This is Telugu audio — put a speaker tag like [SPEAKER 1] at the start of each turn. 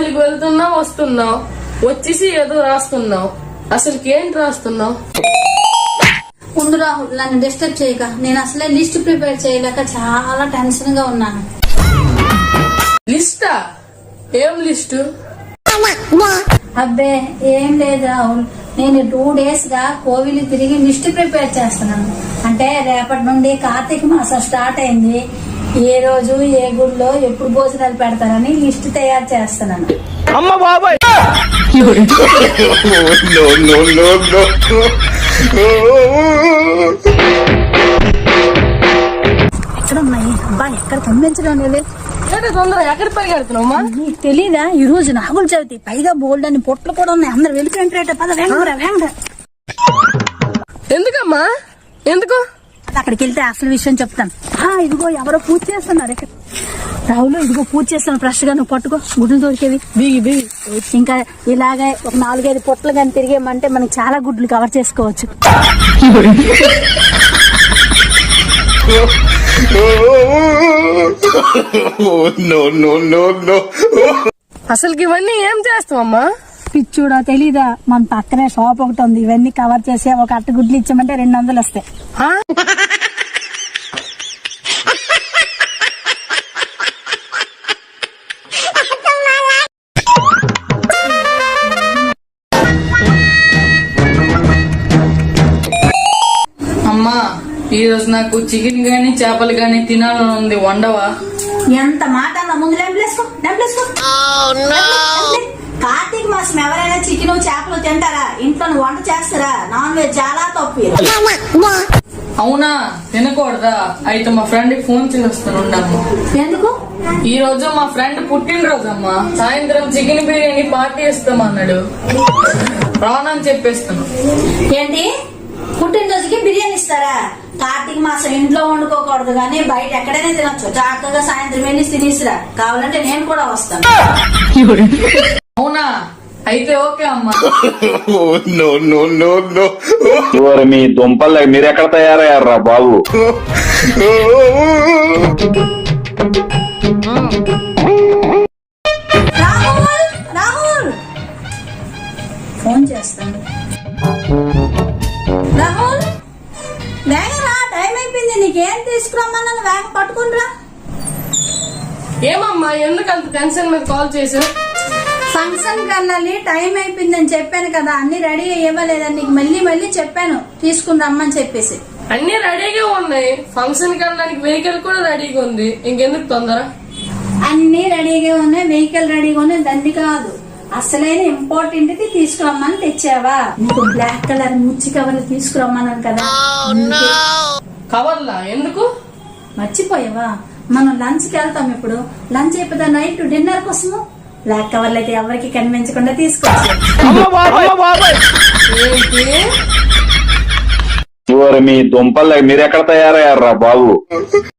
[SPEAKER 1] పెళ్లికి వెళ్తున్నావు వస్తున్నావు, వచ్చేసి ఏదో రాస్తున్నావు. అసలుకి ఏంటి రాస్తున్నావు?
[SPEAKER 2] ఉండు రాహుల్, నన్ను డిస్టర్బ్ చేయక. నేను అసలే లిస్ట్ ప్రిపేర్ చేయలేక చాలా టెన్షన్ గా ఉన్నాను.
[SPEAKER 1] లిస్టా? ఏం లిస్టు?
[SPEAKER 2] అబ్బే ఏం లేదు రాహుల్, నేను 2 days గా కోవిలి తిరిగి లిస్ట్ ప్రిపేర్ చేస్తున్నాను. అంటే రేపటి నుండి కార్తీక మాసం స్టార్ట్ అయింది. ఏ రోజు ఏ గుడిలో ఎప్పుడు భోజనాలు పెడతారని లిస్ట్ తయారు చేస్తున్నాను.
[SPEAKER 3] అమ్మ బాబాయ్!
[SPEAKER 2] ఎక్కడ ఉన్నాయి అబ్బా? ఎక్కడ పంపించడం లేదు.
[SPEAKER 1] తొందర ఎక్కడ పరిగెడుతున్నావమ్మా?
[SPEAKER 2] నీకు తెలీదా, ఈ రోజు నాగుల చవితి, పైగా బోల్డ్ అని పొట్లు కూడా ఉన్నాయి. అందరు వెళ్ళిపోయినట్టు. పద వేగంగా.
[SPEAKER 1] ఎందుకమ్మా? ఎందుకు?
[SPEAKER 2] అక్కడికి వెళ్తే అసలు విషయం చెప్తాను. ఇదిగో ఎవరో పూజ చేస్తున్నారు ఇక్కడ. రావులు ఇదిగో పూజ చేస్తాను. ఫ్రెష్ గా నువ్వు పట్టుకో, గుడ్లు దొరికేవి. బిగి ఇంకా ఇలాగే ఒక 4-5 పొట్లు కానీ తిరిగేమంటే మనకి చాలా గుడ్లు కవర్ చేసుకోవచ్చు.
[SPEAKER 1] అసలుకి ఇవన్నీ ఏం చేస్తావమ్మా?
[SPEAKER 2] పిచ్చూడా తెలీదా, మన పక్కనే షాప్ ఒకటి ఉంది. ఇవన్నీ కవర్ చేసి ఒక అట్ట గుడ్లు ఇచ్చామంటే 200 వస్తాయి.
[SPEAKER 1] అమ్మా, ఈ రోజు నాకు చికెన్ గానీ చేపలు గానీ తినాలని ఉంది, వండవా?
[SPEAKER 2] ఎంత మాట అన్నా, ముందు లెంపలేసుకో. కార్తీక మాసం ఎవరైనా చికెన్ చేపలు తింటారా? ఇంట్లో వంట చేస్తారా? నాన్ వెజ్ చాలా తప్పు.
[SPEAKER 1] అవునా? తినకూడదా? అయితే మా ఫ్రెండ్ కి ఫోన్ చేస్తాను, ఉండమ్మా.
[SPEAKER 2] ఎందుకు?
[SPEAKER 1] ఈ రోజు మా ఫ్రెండ్ పుట్టినరోజు అమ్మా. సాయంత్రం చికెన్ బిర్యానీ పార్టీ ఇస్తామన్నాడు. రానని చెప్పేస్తాను.
[SPEAKER 2] ఏంటి, పుట్టినరోజుకి బిర్యానీ ఇస్తారా? కార్తీక మాసం ఇంట్లో వండుకోకూడదు కానీ బయట ఎక్కడైనా తినొచ్చు. చక్కగా సాయంత్రం వెళ్ళి తినేసిరా. కావాలంటే నేను కూడా వస్తాను.
[SPEAKER 1] అవునా? అయితే ఓకే అమ్మా.
[SPEAKER 4] మీ దుంపల్ మీరెక్కడ తయారయ్యారా బాబు?
[SPEAKER 2] రాహుల్ ఫోన్ చేస్తాను. రాహుల్ వేగరా, టైం అయిపోయింది. నీకేం తీసుకురమ్మన్నా వేగ పట్టుకునిరా.
[SPEAKER 1] ఏమమ్మా, ఎందుకు అంత టెన్షన్ మీద కాల్ చేసావు?
[SPEAKER 2] ఫంక్షన్ కన్నాలి, టైం అయిపోయిందని చెప్పాను కదా. అన్ని రెడీ ఇవ్వలేదని నీకు మళ్ళీ చెప్పాను తీసుకుని రమ్మని చెప్పేసి.
[SPEAKER 1] అన్ని రెడీగా ఉన్నాయి. ఫంక్షన్ వెళ్ళడానికి వెహికల్ కూడా రెడీగా ఉంది. ఇంకెందుకు తొందర?
[SPEAKER 2] అన్ని రెడీగా ఉన్నాయి, వెహికల్ రెడీగా ఉన్నాయి. దండి కాదు, అసలైన ఇంపార్టెంట్ ది తీసుకురమ్మని తెచ్చావా? నీకు బ్లాక్ కలర్ ముచ్చి కవర్లు తీసుకురమ్మన్నాను కదా.
[SPEAKER 1] కవర్లా? ఎందుకు?
[SPEAKER 2] మర్చిపోయావా? మనం లంచ్ కి వెళ్తాం. ఇప్పుడు లంచ్ అయిపోతా నైట్ డిన్నర్ కోసము బ్లాక్ కవర్లు అయితే ఎవరికి కనిపించకుండా తీసుకొచ్చి.
[SPEAKER 4] మీ దుంపల్ మీరెక్కడ తయారయ్యారా బాబు?